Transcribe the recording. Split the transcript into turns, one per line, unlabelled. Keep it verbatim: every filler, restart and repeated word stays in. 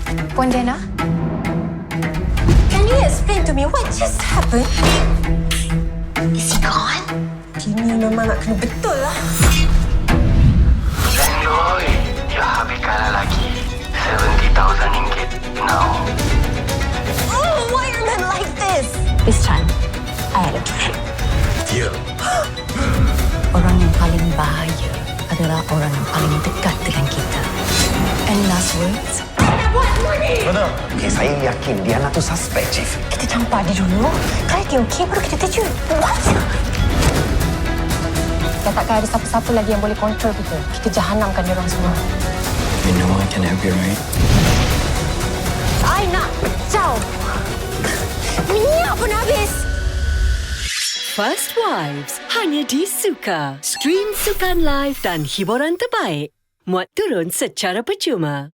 Puan Dena? Can you explain to me what just happened? Is he gone? Kini memang nak kena betul lah.
Lendoy, you habis kalah lagi. seventy thousand ringgit now.
Oh, why are men like this? This time, I had a trick.
Ya.
Orang yang paling bahaya adalah orang yang paling dekat dengan kita. Any last words?
Betul.
Okay, saya yakin Diana tu suspek, Chief.
Kita campak dia dulu. Kalau dia okey, baru kita terjun. What? Dah takkan ada siapa-siapa lagi yang boleh kontrol kita. Kita jahanamkan dia orang semua.
You know I can help you, right?
I nak pecah. Minyak pun habis.
First Wives hanya di Suka. Stream Sukan Live dan hiburan terbaik. Muat turun secara percuma.